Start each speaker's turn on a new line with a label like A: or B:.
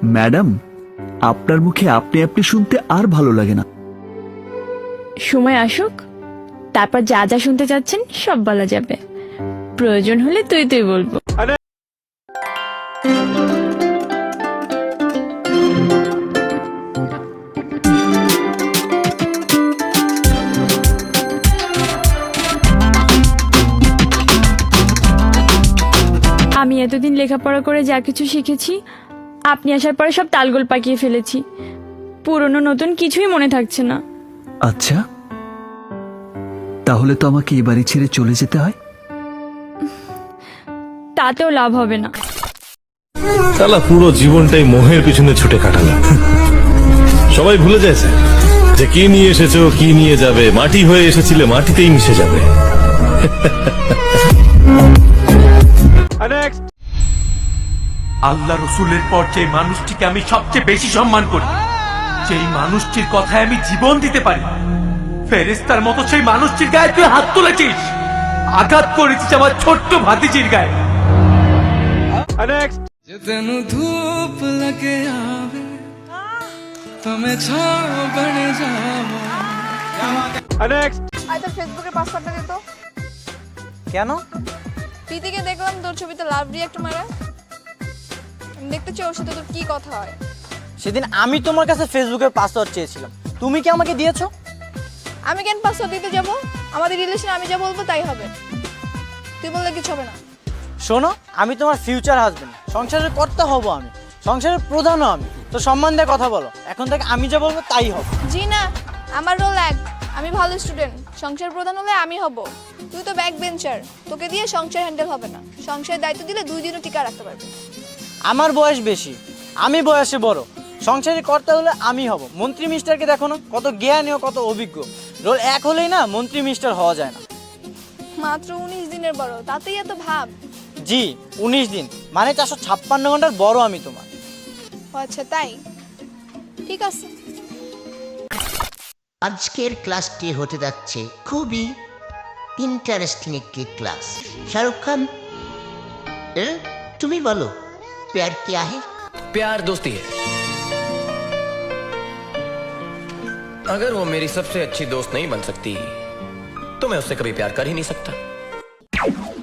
A: Madam, আপনার মুখে আপনি আপনি শুনতে আর ভালো লাগে না।
B: সময় আসুক, তারপর যা যা শুনতে চাচ্ছেন সব বলা যাবে। প্রয়োজন হলে তুই তুই বলবো। আমি এতদিন লেখাপড়া করে যা কিছু শিখেছি, আপনি আসার পরে সব তালগোল পাকিয়ে ফেলেছি। পুরনো নতুন কিছুই মনে থাকছে না।
A: আচ্ছা, তাহলে তো আমাকে এ বাড়ি ছেড়ে চলে যেতে হয়।
B: তাতেও লাভ হবে না।
C: শালা পুরো জীবনটাই মোহের পিছনে ছুটে কাটালাম। সবাই ভুলে যাচ্ছে যে কি নিয়ে এসেছো, কি নিয়ে যাবে। মাটি হয়ে এসেছিলে, মাটিতেই মিশে যাবে।
D: আল্লাহ রসুলের পর যে মানুষটিকে আমি সবচেয়ে বেশি সম্মান করি, যেই মানুষটির কথায় আমি জীবন দিতে পারি, ফেরেশতার মতো সেই মানুষটির গায়ে তুই হাত তুলেছিস, আঘাত করেছিস আমার ছোট্ট ভাতিজির গায়ে।
E: तेनू धूप लगे आवे तुम्हें छाव बन जावा।
F: তোর ফেসবুকের পাসওয়ার্ডটা দে তো।
G: কেন?
F: প্রীতিকে দেখলাম তোর ছবিতে লাভ রিঅ্যাক্ট মারা। আমি দেখতে চাই ওর সাথে তোর কি কথা হয়।
G: সেদিন আমি তোমার কাছে ফেসবুকের পাসওয়ার্ড চেয়েছিলাম, তুমি কি আমাকে দিয়েছো?
F: আমি কেন পাসওয়ার্ড দিতে যাব? আমাদের রিলেশন আমি যা বলবো তাই হবে, তুই বললে কিছু হবে না।
G: শোনো, আমি তোমার ফিউচার হাজবেন্ড, সংসারের কর্তা হব আমি, সংসারের প্রধানও আমি। তো সম্মান দিয়ে কথা বলো, এখন থেকে আমি যা বলবো তাই হবে।
F: জি না, আমার রোল এক, আমি ভালো স্টুডেন্ট, সংসার প্রধান হলে আমি হব। তুই তো ব্যাক বেঞ্চার, তোকে দিয়ে সংসার হ্যান্ডেল হবে না। সংসারের দায়িত্ব দিলে 2 দিনও টিকা রাখতে পারবি।
G: আমার বয়স বেশি, আমি বয়সে বড়, সংসারের কর্তা হলে আমি হব। মন্ত্রী মিস্টারকে দেখো না, কত জ্ঞানী ও কত অভিজ্ঞ। রোল এক হলেই না মন্ত্রী মিস্টার হওয়া যায় না।
F: মাত্র 19 দিনের বড়, তাতেই এত ভাব?
G: জি, 19 দিন মানে 456 ঘন্টার বড় আমি তোমার।
F: ও আচ্ছা তাই, ঠিক আছে।
H: আজকের ক্লাসটি হতে যাচ্ছে খুবই ইন্টারেস্টিং একটি ক্লাস। শাহরুখ খান, তুমি বলো, প্যার क्या है?
I: प्यार दोस्ती है। अगर वो मेरी सबसे अच्छी दोस्त नहीं बन सकती तो मैं उससे कभी प्यार कर ही नहीं सकता।